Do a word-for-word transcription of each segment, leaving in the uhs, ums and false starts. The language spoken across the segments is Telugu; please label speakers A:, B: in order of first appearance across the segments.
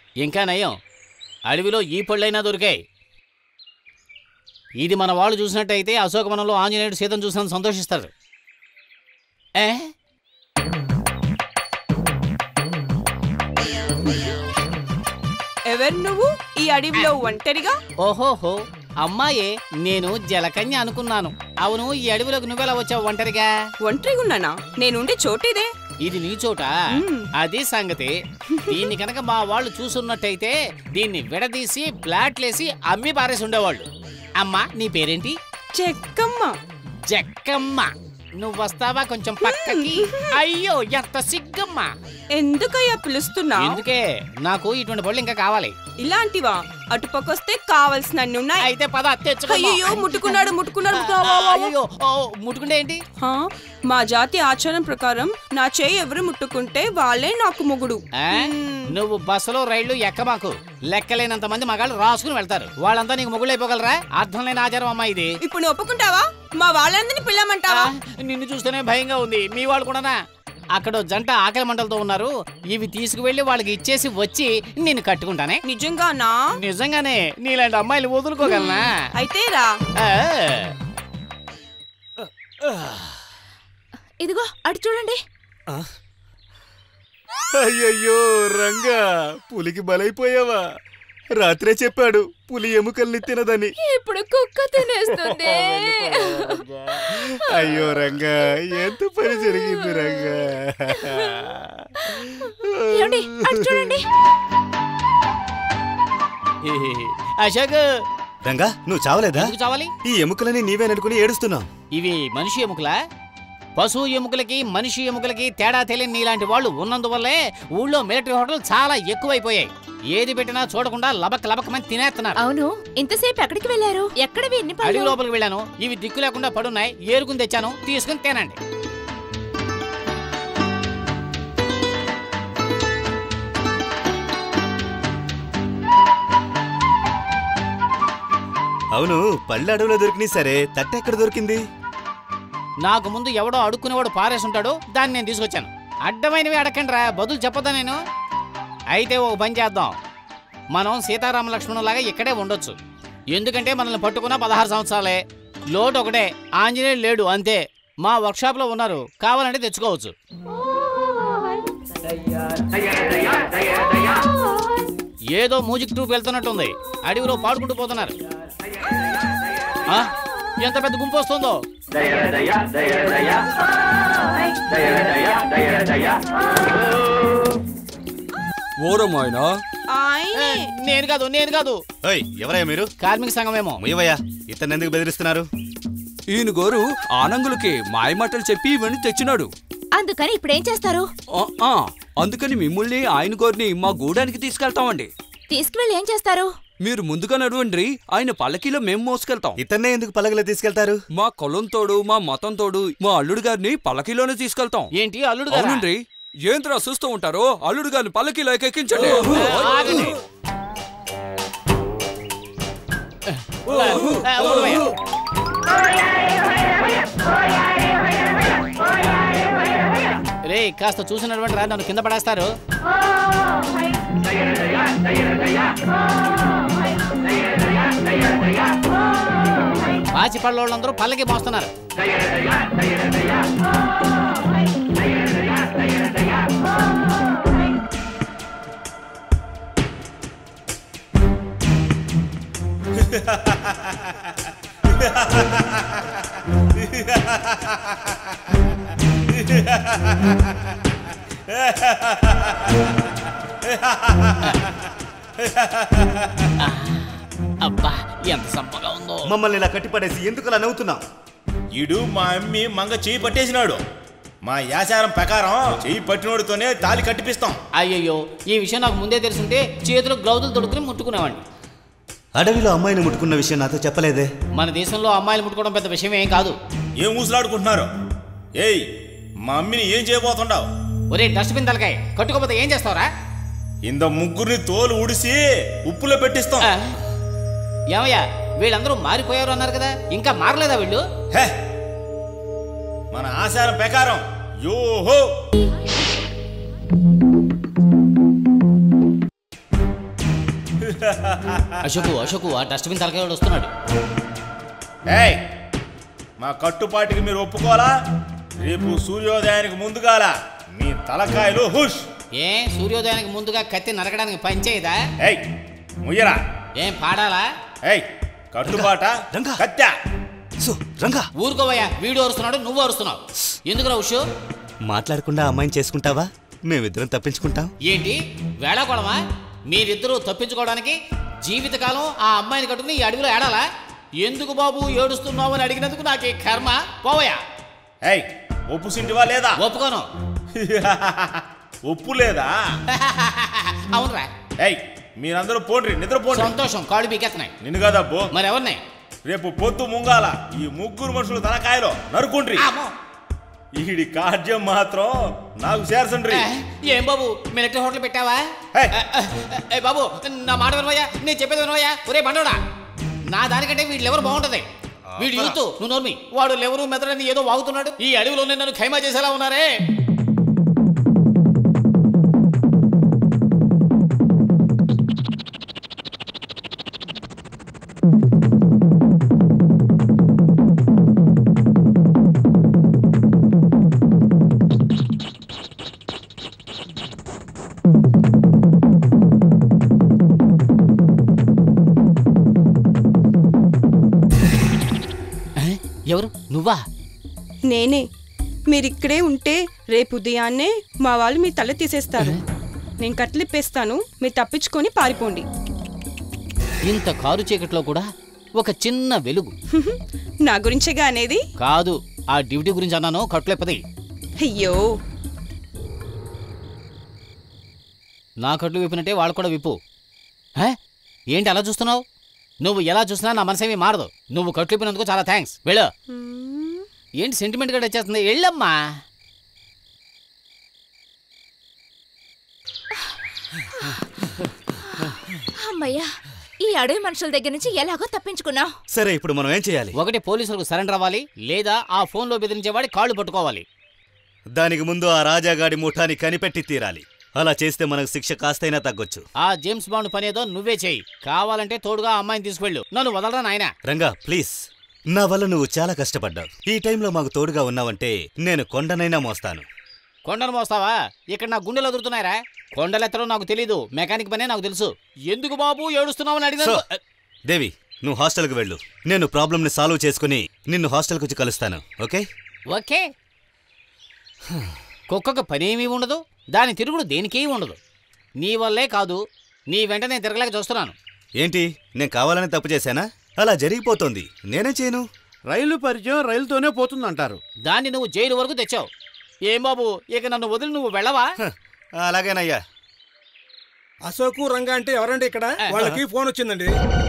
A: ఇంకా నయం, అడవిలో ఈ పళ్ళైనా దొరికాయి. ఇది మన వాళ్ళు చూసినట్టయితే అశోకవనంలో ఆంజనేయుడు సీతను చూసినందుకు సంతోషిస్తారు. ఏ
B: ఎవరు నువ్వు ఈ అడవిలో ఒంటరిగా?
A: ఓహోహో, అమ్మాయే, నేను జలకన్య అనుకున్నాను. అవును, ఈ అడవిలోకి నువ్వెలా వచ్చావు ఒంటరిగా?
B: ఒంటరిగా ఉన్నానా? నేనుండే చోటిదే.
A: ఇది నీ చోట? అది సంగతి. దీన్ని కనుక మా వాళ్ళు చూసున్నట్టయితే దీన్ని విడదీసి ప్లాట్లేసి అమ్మి పారేసి ఉండేవాళ్ళు. అమ్మా, నీ పేరేంటి?
B: చెక్కమ్మ.
A: జక్కమ్మ. నువ్వు వస్తావా కొంచెం పక్కకి? అయ్యో, ఎంత సిగ్గమ్మా.
B: ఎందుకయ్యా పిలుస్తున్నా?
A: ఎందుకే, నాకు ఇటువంటి పళ్ళు ఇంకా కావాలి.
B: ఇలాంటివా? అటుపక్కొస్తే కావాల్సినన్ని ఉన్నాయి.
A: అయితే పద తెచ్చుకో.
B: అయ్యో, ముట్టుకున్నాడు ముట్టుకున్నాడు.
A: అయ్యో, ముట్టుకుంటే ఏంటి?
B: మా జాతి ఆచారం ప్రకారం నా చేయి ఎవరు ముట్టుకుంటే వాళ్ళే నాకు మొగుడు.
A: నువ్వు బస్సులో రైళ్లు ఎక్కమాకు. లెక్కలేనంత మంది మగాళ్ళు రాసుకుని వెళ్తారు. వాళ్ళంతా నీకు మొగుళ్ళు అయిపోగలరా? అర్థం లేని ఆచారం అమ్మా ఇది.
B: ఇప్పుడు నువ్వు ఒప్పుకుంటావా? మా వాళ్ళందరినీ పిల్లమంటావా?
A: నిన్ను చూస్తేనే భయంగా ఉంది. మీ వాళ్ళు కూడానా? అక్కడ జంట ఆకలి మంటలతో ఉన్నారు. ఇవి తీసుకువెళ్ళి వాళ్ళకి ఇచ్చేసి వచ్చి నిన్ను కట్టుకుంటానే.
B: నిజంగానా?
A: నిజంగానే. నీలాంటి అమ్మాయిలు వదులుకోగలనా?
B: అయితే రా.
C: ఇదిగో అటు చూడండి.
D: అయ్యయ్యో రంగా, పులికి బలైపోయావా? రాత్రే చెప్పాడు పులి ఎముకల్ని తినదని.
C: ఇప్పుడు కుక్క తినేస్తుంది.
D: అయ్యో రంగా, ఎంత పని జరిగింది రంగా.
C: అటు చూడండి.
A: అశోక్,
D: రంగా, నువ్వు చావలేదా?
A: చావాలి.
D: ఈ ఎముకలని నీవే నడుకుని ఏడుస్తున్నావు.
A: ఇవి మనిషి ఎముకలా? పశువు ఎముకలకి మనిషి ఎముకలకి తేడా తెలియని నీలాంటి వాళ్ళు ఉన్నందువల్లే ఊళ్ళో మిలిటరీ హోటల్ చాలా ఎక్కువైపోయాయి. ఏది పెట్టినా చూడకుండా లబక్ లబకమని తినేస్తున్నారు.
C: అవును, ఇంతసేపు ఎక్కడికి వెళ్ళారు? ఎక్కడవి ఎన్ని పళ్ళు?
A: అడవి లోపలికి వెళ్ళాను. ఇవి దిక్కు లేకుండా పడున్నాయి. ఏరుకుని తెచ్చాను, తీసుకుని తినండి.
D: అవును, పళ్ళు అడవిలో దొరికినాయి సరే, తట్టె ఎక్కడ దొరికింది?
A: నాకు ముందు ఎవడో అడుక్కునేవాడు పారేసుంటాడు, దాన్ని నేను తీసుకొచ్చాను. అడ్డమైనవి అడగండి రా, బదులు చెప్పదా నేను? అయితే ఓ పని చేద్దాం, మనం సీతారామ లక్ష్మణులాగా ఇక్కడే ఉండొచ్చు. ఎందుకంటే మనల్ని పట్టుకున్న పదహారు సంవత్సరాలే. లోటు ఒకటే, ఆంజనేయుడు లేడు అంతే. మా వర్క్షాప్లో ఉన్నారు, కావాలంటే తెచ్చుకోవచ్చు. ఏదో మ్యూజిక్ ట్రూప్ వెళ్తున్నట్టుంది. అడవిలో పాడుకుంటూ పోతున్నారు. ఎంత పెద్ద గుంపు వస్తుందో. నేను కాదు నేను కాదు
D: ఎవరయ్యా మీరు?
A: కార్మిక సంఘమేమో.
D: ముయ్యవయ్యా, ఇతను ఎందుకు బెదిరిస్తున్నారు?
E: ఈయన గోరు ఆనంగులకి మాయమాటలు చెప్పి ఇవన్నీ తెచ్చినాడు.
C: అందుకని ఇప్పుడేం చేస్తారు?
E: అందుకని మిమ్మల్ని ఆయన గోరిని మా గూడానికి తీసుకెళ్తామండి.
C: తీసుకువెళ్ళి ఏం చేస్తారు?
E: మీరు ముందుగా నడవండి, ఆయన పల్లకీలో మేము మోసుకెళ్తాం.
D: ఇతన్నే ఎందుకు పల్లకిలో తీసుకెళ్తారు?
E: మా కులం తోడు, మా మతం తోడు, మా అల్లుడు గారిని పల్లకీలోనే తీసుకెళ్తాం.
A: ఏంటి అల్లుడు?
E: అవునండి. ఏంట్రా చూస్తూ ఉంటారో, అల్లుడు గారిని పల్లకీలో ఎక్కించండి. రే, కాస్త చూసినటువంటి రా, నన్ను కింద పడేస్తారు. పాచిపళ్ళ వాళ్ళందరూ పల్లకి మోస్తున్నారు. అబ్బా, ఎంత సంపగా ఉందో.
D: మమ్మల్ని ఇలా కట్టిపడేసి ఎందుకు అలా నవ్వుతున్నావు?
F: ఈడు మా అమ్మి మంగ చెయ్యి పట్టేసినాడు. మా యాచారం ప్రకారం చెయ్యి పట్టినోడితోనే తాళి కట్టిపిస్తాం.
A: అయ్యయ్యో, ఈ విషయం నాకు ముందే తెలుసుంటే చేతులు గ్లౌజులు తొడుక్కుని ముట్టుకునేవాడిని.
D: అడవిలో అమ్మాయిని ముట్టుకున్న విషయం నాతో చెప్పలేదే?
A: మన దేశంలో అమ్మాయిలు ముట్టుకోవడం పెద్ద విషయం ఏం కాదు.
F: ఏం ఊసులాడుకుంటున్నారు? ఏయ్, మా అమ్మిని ఏం చేయబోతుండావు?
A: ఒరే డస్ట్బిన్ తలకాయ, కట్టుకోపోతే ఏం చేస్తావురా?
F: ఇంత ముగ్గురిని తోలు ఉడిసి ఉప్పులో పెట్టిస్తాం.
A: ఏమయ్యా, వీళ్ళందరూ మారిపోయారు అన్నారు కదా, ఇంకా మారలేదా వీళ్ళు?
F: హే, మన ఆచారం ప్రకారం యోహో
A: అశోకు అశోకు ఆ డస్ట్బిన్ తలకాయ వస్తున్నాడు.
F: ఏయ్ మా కట్టుపాటికి మీరు ఒప్పుకోవాలా? రేపు సూర్యోదయానికి ముందుగాల మీ తలకాయలు హుష్.
A: ఏ సూర్యోదయానికి ముందుగా కత్తి నరకడానికి పనిచేయదా?
F: ఏయ్ ముయ్యరా.
A: ఏం పాడాలా?
F: ఏయ్ కట్టుబాట
D: రంగా.
F: కత్తా.
D: సో రంగా
A: ఊరుకోవయ్యా, వీడు అరుస్తున్నాడు, నువ్వు అరుస్తున్నావు. ఎందుకురా ఉషు?
D: మాట్లాడకుండా అమ్మాయిని చేసుకుంటావా? మేమిద్దరం తప్పించుకుంటాం.
A: ఏంటి వేళాకోళమా? మీరిద్దరూ తప్పించుకోవడానికి జీవితకాలం ఆ అమ్మాయిని కట్టుకుని ఈ అడవిలో ఏడాలా? ఎందుకు బాబు ఏడుస్తున్నావు అని అడిగినందుకు నాకే కర్మ. పోవయ్యా.
F: ఏయ్ ఒప్పు సింటివా లేదా?
A: ఒప్పుకోను.
F: ఒప్పు లేదా?
A: అవునరా.
F: ఏయ్ మీరందరూ పోండ్రి, నిద్రపోండి.
A: సంతోషం, కాళ్ళు పీకెత్తున్నాయి.
F: నిన్ను కదా బో.
A: మరి ఎవరిని?
F: రేపు పొద్దు ముంగాల ఈ ముగ్గురు మనుషులు తలకాయలో నరుకుండ్రి.
A: ఆమో.
F: ఈడి కార్యం మాత్రం నాకు చేర్చండ్రి.
A: ఏ, ఏం బాబు మిలిటరీ హోటల్ పెట్టావా?
F: ఏయ్.
A: ఏ బాబు నా మాట వినవయ్యా, నేను చెప్పేది వినవయ్యా. ఒరే బండోడా, నా దానికంటే వీళ్ళు ఎవరు బాగుంటది? వీడు యూత్, నువ్వు నోర్మి. వాడు లెవరు మెదడని ఏదో వాగుతున్నాడు. ఈ అడవిలోనే నన్ను ఖైమా చేసేలా ఉన్నారే. ఎవరు? నువ్వా?
B: నేనే. మీరిక్కడే ఉంటే రేపు ఉదయాన్నే మా వాళ్ళు మీ తల తీసేస్తారు. నేను కట్లిప్పేస్తాను, మీరు తప్పించుకొని పారిపోండి.
A: ఇంత కారు చీకట్లో కూడా ఒక చిన్న వెలుగు.
B: నా గురించేగా అనేది?
A: కాదు, ఆ డ్యూటీ గురించి అన్నాను. కట్లెప్పది.
B: అయ్యో,
A: నా కట్లు విప్పినట్టే వాళ్ళు కూడా విప్పు. హే, ఏంటి అలా చూస్తున్నావు? నువ్వు ఎలా చూసినా నా మనసేమీ మారదు. నువ్వు కట్లు విప్పినందుకు చాలా థ్యాంక్స్. వెళ్ళు. ఏంటి సెంటిమెంట్ గా వచ్చేస్తుంది? వెళ్ళమ్మా.
C: అమ్మయ్యా, ఈ అడవి మనుషుల దగ్గర నుంచి ఎలాగో తప్పించుకున్నావు.
D: సరే ఇప్పుడు మనం ఏం చేయాలి?
A: ఒకటి పోలీసులకు సరెండర్ అవ్వాలి, లేదా ఆ ఫోన్లో బెదిరించేవాడి కాళ్ళు పట్టుకోవాలి.
D: దానికి ముందు ఆ రాజాగాడి ముఠాని కనిపెట్టి తీరాలి. అలా చేస్తే మనకు శిక్ష కాస్తైనా తగ్గొచ్చు.
A: ఆ జేమ్స్ బాండ్ పనేదో నువ్వే చేయి. కావాలంటే తోడుగా అమ్మాయిని తీసుకెళ్ళు. నన్ను వదలరా నాయనా.
D: రంగా ప్లీజ్, నా వల్ల నువ్వు చాలా కష్టపడ్డావు. ఈ టైంలో మాకు తోడుగా ఉన్నావంటే నేను కొండనైనా మోస్తాను.
A: కొండను మోస్తావా? ఇక్కడ నా గుండెలు ఎదురుతున్నాయరా. కొండలెత్తడం నాకు తెలీదు, మెకానిక్ పనే నాకు తెలుసు. ఎందుకు బాబు ఏడుస్తున్నావు అని అడిగాను.
D: దేవి, నువ్వు హాస్టల్కి వెళ్ళు. నేను ప్రాబ్లమ్ని సాల్వ్ చేసుకుని నిన్ను హాస్టల్కి వచ్చి కలుస్తాను. ఓకే?
A: ఓకే. కుక్కకు పనేమీ ఉండదు, దాని తిరుగుడు దేనికీ ఉండదు. నీ వల్లే కాదు, నీ వెంట నేను తిరగలేక చూస్తున్నాను.
D: ఏంటి, నేను కావాలని తప్పు చేశానా? అలా జరిగిపోతుంది, నేనే చేయను.
G: రైలు పరిచయం రైలుతోనే పోతుందంటారు.
A: దాన్ని నువ్వు జైలు వరకు తెచ్చావు. ఏం బాబు, ఇక నన్ను వదిలి నువ్వు వెళ్ళవా?
D: అలాగేనయ్యా.
G: అశోకు రంగా అంటే ఎవరండి ఇక్కడ? వాళ్ళకి ఫోన్ వచ్చిందండి.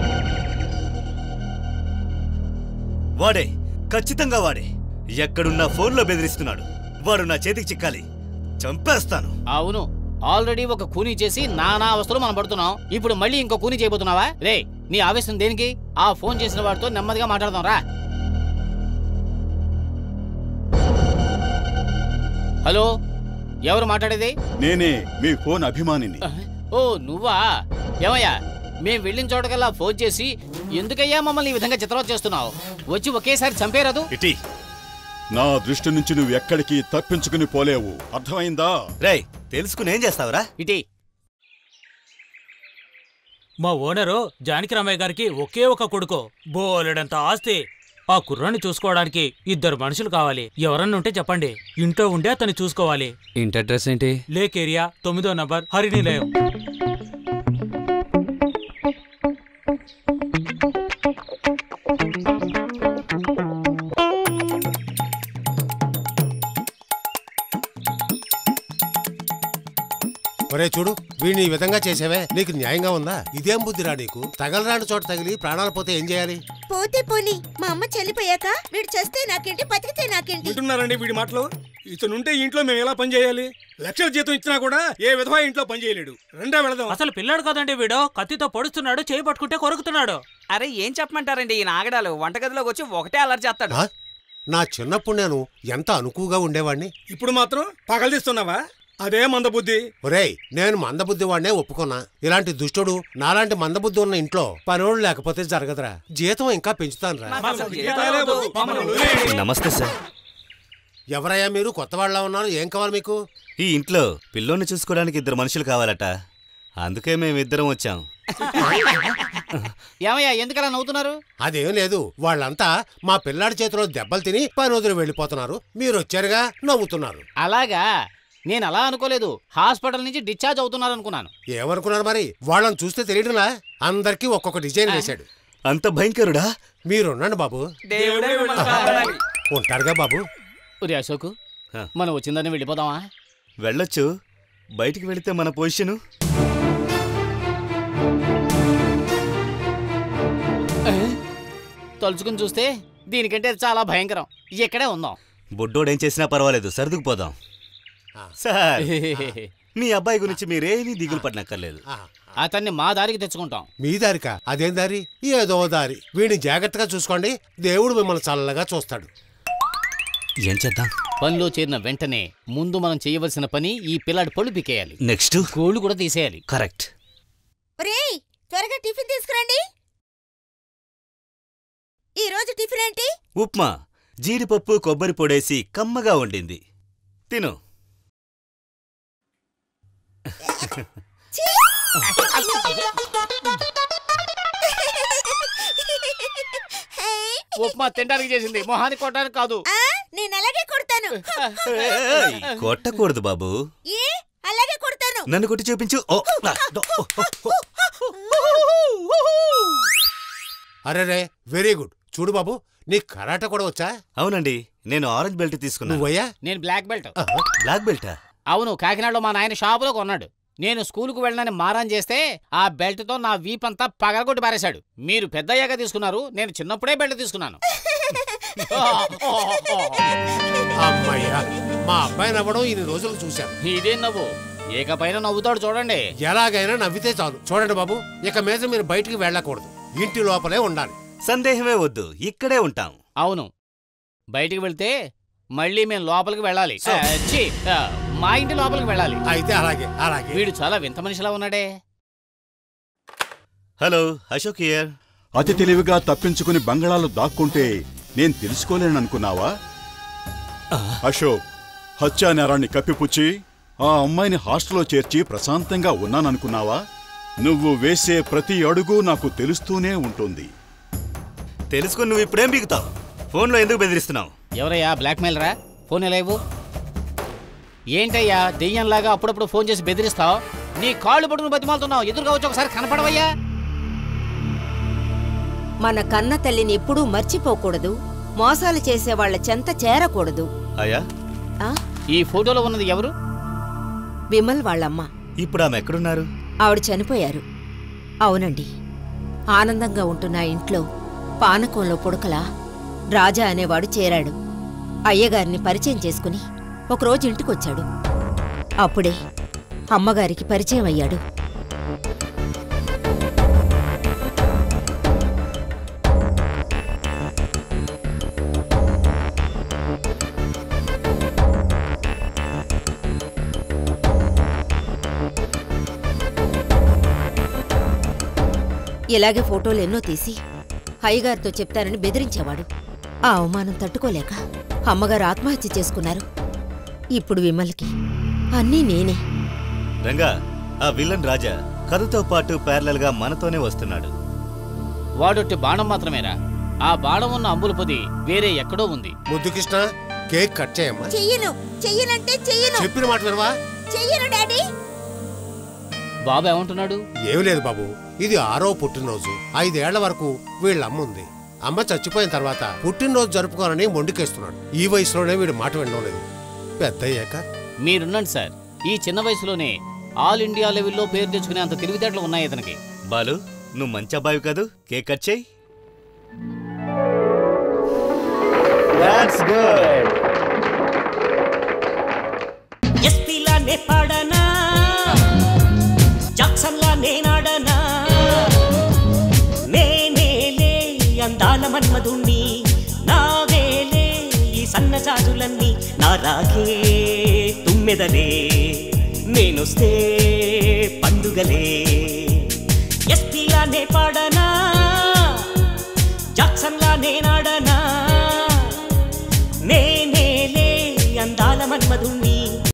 D: వాడే, ఖచ్చితంగా వాడే. ఎక్కడున్నా ఫోన్లో బెదిరిస్తున్నాడు. వాడు నా చేతికి చిక్కాలి, చంపేస్తాను.
A: అవును, ఆల్రెడీ ఒక కూనీ చేసి నానా అవస్థలు మనం పడుతున్నాం. ఇప్పుడు మళ్ళీ ఇంకో కూనీ చేయబోతున్నావా? రే, నీ ఆవేశం దేనికి? ఆ ఫోన్ చేసిన వాడితో నెమ్మదిగా మాట్లాడదాం రా. హలో, ఎవరు మాట్లాడేది?
H: నేనే, మీ ఫోన్ అభిమానిని.
A: ఓ నువ్వా? ఏమయ్యా, మేం వెళ్ళిన చోటకల్లా ఫోన్ చేసి ఎందుకయ్యా మమ్మల్ని ఈ విధంగా చిత్రవత చేస్తున్నావు? వచ్చి ఒకేసారి చంపేరాదు?
D: ఇటీ,
H: నా దృష్టి నుంచి నువ్వు ఎక్కడికి తప్పించుకుని పోలేవు, అర్థమైందా?
D: రేయ్, తెలుసుకుని ఏం చేస్తావురా?
A: ఇటీ.
I: మా ఓనరు జానకిరామయ్య గారికి ఒకే ఒక కొడుకు, బోలెడంత ఆస్తి. ఆ కుర్రాన్ని చూసుకోవడానికి ఇద్దరు మనుషులు కావాలి. ఎవరన్నా ఉంటే చెప్పండి, ఇంట్లో ఉండే అతన్ని చూసుకోవాలి.
E: ఇంటి అడ్రస్ ఏంటి?
I: లేక్ ఏరియా, తొమ్మిదో నంబర్, హరినిలయం.
J: ఒరే చూడు, వీడిని ఈ విధంగా చేసావే, నీకు న్యాయంగా ఉందా? ఇదేం బుద్ధిరా నీకు? తగలరాని చోట తగిలి ప్రాణాలు పోతే ఏం చేయాలి?
K: పోతే పోని, మా అమ్మ చనిపోయాక వీడు చేస్తే నాకేంటి, బతికితే నాకేంటి?
G: వింటున్నారండి వీడి మాటలు? ఇతనుంటే ఇంట్లో మేము ఎలా పని చేయాలి? లక్షల జీతం ఇచ్చినా కూడా ఏ విధంగా ఇంట్లో పని చేయలేడు. రెండా వెళదాం.
I: అసలు పిల్లాడు కదండి వీడు, కత్తితో పొడుస్తున్నాడు, చేయి పట్టుకుంటే కొరుకుతున్నాడు.
E: అరే ఏం చెప్పమంటారండి, ఈ నాగడాలు వంటగదిలోకి వచ్చి ఒకటే అలర్ట్ చేస్తాడు.
J: నా చిన్నప్పుడు నేను ఎంత అనుకువగా ఉండేవాడిని.
G: ఇప్పుడు మాత్రం పగలదీస్తున్నావా? అదే మందబుద్ధి.
J: ఒరేయ్, నేను మందబుద్ధి వాడినే ఒప్పుకున్నా. ఇలాంటి దుష్టుడు నాలాంటి మందబుద్ధి ఉన్న ఇంట్లో పనోళ్ళు లేకపోతే జరగదురా. జీతం ఇంకా పెంచుతాను రా.
D: నమస్తే సార్.
J: ఎవరయ్యా మీరు? కొత్త వాళ్ళ ఉన్నారు. ఏం కావాలి మీకు?
D: ఈ ఇంట్లో పిల్లోని చూసుకోవడానికి ఇద్దరు మనుషులు కావాలట. అందుకే మేమిద్దరం వచ్చాం.
A: ఏమయ్యా ఎందుకలా నవ్వుతున్నారు?
J: అదేం లేదు, వాళ్ళంతా మా పిల్లాడి చేతిలో దెబ్బలు తిని పని వదిలి వెళ్ళిపోతున్నారు. మీరు వచ్చారుగా నవ్వుతున్నారు.
A: అలాగా? నేను అలా అనుకోలేదు. హాస్పిటల్ నుంచి డిశ్చార్జ్ అవుతున్నారు అనుకున్నాను.
J: ఏమనుకున్నారు మరి? వాళ్ళని చూస్తే తెలియదులా. అందరికీ ఒక్కొక్క డిజైన్ వేశాడు.
D: అంత భయంకరుడా?
J: మీరున్నాండి బాబు. ఉంటారుగా బాబు.
A: ఒరే అశోకు, మనం వచ్చిందని వెళ్ళిపోదామా?
D: వెళ్ళొచ్చు. బయటికి వెళితే మన పొజిషను.
A: తలుచుకుని చూస్తే దీనికంటే చాలా భయంకరం. ఇక్కడే ఉందాం.
D: బుడ్డోడేం చేసినా పర్వాలేదు, సర్దుకుపోదాం. సార్, మీ అబ్బాయి గురించి మీరేమీ దిగులు పడనక్కర్లేదు.
A: అతన్ని మా దారికి తెచ్చుకుంటాం.
J: మీ దారికా? అదేం దారి? ఏదో దారి. వీడిని జాగ్రత్తగా చూసుకోండి, దేవుడు మిమ్మల్ని చల్లగా చూస్తాడు.
D: ఏం చేద్దాం?
A: పనిలో చేరిన వెంటనే ముందు మనం చేయవలసిన పని ఈ పిల్లాడి పళ్ళు పీకేయాలి.
D: నెక్స్ట్
A: కోళ్ళు కూడా తీసేయాలి.
D: కరెక్ట్.
K: ఒరేయ్, త్వరగా టిఫిన్ తీసుకురండి. ఈ రోజు టిఫిన్ ఏంటి?
D: ఉప్మా. జీడిపప్పు కొబ్బరి పొడేసి కమ్మగా వండింది. తిను.
A: ఉప్మా తినడానికి చేసింది, మొహానికి కొట్టడానికి కాదు.
K: నేను అలాగే కొడతాను.
D: కొట్టకూడదు బాబు.
K: ఏ అలాగే కొడతాను.
D: నన్ను కొట్టి చూపించు.
J: అరే, వెరీ గుడ్. చూడు బాబు, నీకు కరాటే కూడా వచ్చా?
D: అవునండి, నేను ఆరెంజ్ బెల్ట్ తీసుకున్నాను.
J: నువ్వయ్యా?
A: నేను బ్లాక్ బెల్ట్.
D: బ్లాక్ బెల్టా?
A: అవును, కాకినాడలో మా నాయన షాపులో కొన్నాడు. నేను స్కూలుకు వెళ్ళనని మారాన్ చేస్తే ఆ బెల్ట్తో నా వీపంతా పగలగొట్టి పారేశాడు. మీరు పెద్దయ్యాక తీసుకున్నారు, నేను చిన్నప్పుడే బెల్ట్ తీసుకున్నాను.
J: అమ్మయ్యా, మా అబ్బాయి నవ్వడం ఇన్ని రోజులు చూశాను.
A: ఇదేం నవ్వు? ఏకపైన నవ్వుతాడు చూడండి.
J: ఎలాగైనా నవ్వితే చాలు. చూడండి బాబు, ఇక మీద మీరు బయటికి వెళ్ళకూడదు. ఇంటి లోపలే ఉండాలి.
D: సందేహమే వద్దు, ఇక్కడే ఉంటాం.
A: అవును, బయటికి వెళ్తే మళ్ళీ మేము లోపలికి వెళ్ళాలి. మా ఇంటి లోపలికి వెళ్ళాలి.
J: అయితే అలాగే అలాగే.
A: వీడు చాలా వింత మనిషిలా ఉన్నాడే.
D: Hello, Ashok here.
H: అతి తెలివిగా తప్పించుకుని బంగళాలు దాక్కుంటే నేను తెలుసుకోలేననుకున్నావా? అశోక్, హత్యా నేరాన్ని కప్పిపుచ్చి ఆ అమ్మాయిని హాస్టల్లో చేర్చి ప్రశాంతంగా ఉన్నాననుకున్నావా? నువ్వు వేసే ప్రతి అడుగు నాకు తెలుస్తూనే ఉంటుంది.
D: తెలుసుకుని నువ్వు ఇప్పుడేం బిగుతావు? ఫోన్లో ఎందుకు బెదిరిస్తున్నావు?
A: ఎవరయ్యా బ్లాక్మెయిల్ రా? ఫోన్ ఎలా ఇవ్వు? ఏంటయ్యా దెయ్యంలాగా అప్పుడప్పుడు ఫోన్ చేసి బెదిరిస్తావు? నీ కాళ్ళు పట్టుకుని బతిమాలుతున్నావు. ఎదురుగా వచ్చి ఒకసారి కనపడవయ్యా.
L: మన కన్న తల్లిని ఎప్పుడూ మర్చిపోకూడదు. మోసాలు చేసే వాళ్ల చెంత చేరకూడదు.
D: అయ్యా,
A: ఈ ఫోటోలో ఉన్నది ఎవరు?
L: విమల్ వాళ్ళమ్మ.
D: ఇప్పుడు ఆమె ఎక్కడున్నారు?
L: ఆవిడ చనిపోయారు. అవునండి. ఆనందంగా ఉంటున్న ఇంట్లో పానకంలో పుడకలా రాజా అనేవాడు చేరాడు. అయ్యగారిని పరిచయం చేసుకుని ఒకరోజు ఇంటికొచ్చాడు. అప్పుడే అమ్మగారికి పరిచయం అయ్యాడు. ఇలాగే ఫోటోలు ఎన్నో తీసి అయ్యగారితో చెప్తానని బెదిరించేవాడు. ఆ అవమానం తట్టుకోలేక అమ్మగారు ఆత్మహత్య చేసుకున్నారు. ఇప్పుడు విమల్కి అన్నీ నేనే.
D: రంగా, ఆ విలన్ రాజా కథతో పాటు ప్యారలల్ గా మనతోనే వస్తున్నాడు.
A: వాడొట్టి బాణం మాత్రమేరా? ఆ బాణం ఉన్న అంబుల పొది వేరే ఎక్కడో ఉంది.
J: ముద్దు కృష్ణ, కేక్ కట్ చేయమ్మా.
K: చెయ్యను. చెయ్యనంటే చెయ్యను.
J: చెప్పిన మాట వినవా?
K: చెయ్యను డాడీ.
A: బాబు ఏమంటున్నాడు?
J: ఏం లేదు బాబు, ఇది ఆరో పుట్టినరోజు. ఐదేళ్ల వరకు వీళ్ళమ్మ ఉంది. అమ్మ చచ్చిపోయిన తర్వాత పుట్టినరోజు జరుపుకోవాలని మొండికేస్తున్నాడు. ఈ వయసులోనే వీడు మాట వినడం లేదు. పెద్ద అయ్యాక
A: మీరున్నాడు సార్. ఈ చిన్న వయసులోనే ఆల్ ఇండియా లెవెల్లో పేరు తెచ్చుకునే అంత తెలివితేటలు ఉన్నాయి ఇతనికి.
D: బాలు, నువ్వు మంచి అబ్బాయి కాదు, కేక్ కట్ చేయి.
M: That's good. ఎస్పీలానే పాడనా, జాక్సన్లా నేనాడనా, నేనేలే అందాల మన్మధుణ్ణి, నావేలే ఈ సన్నజాజులన్నీ, నా రాగే తుమ్మెదలే వస్తే పండుగలే ఎస్పీలానే పాడనా జాక్సన్లా నేనాడనా నేనేలే అందాల మన్మధుణ్ణి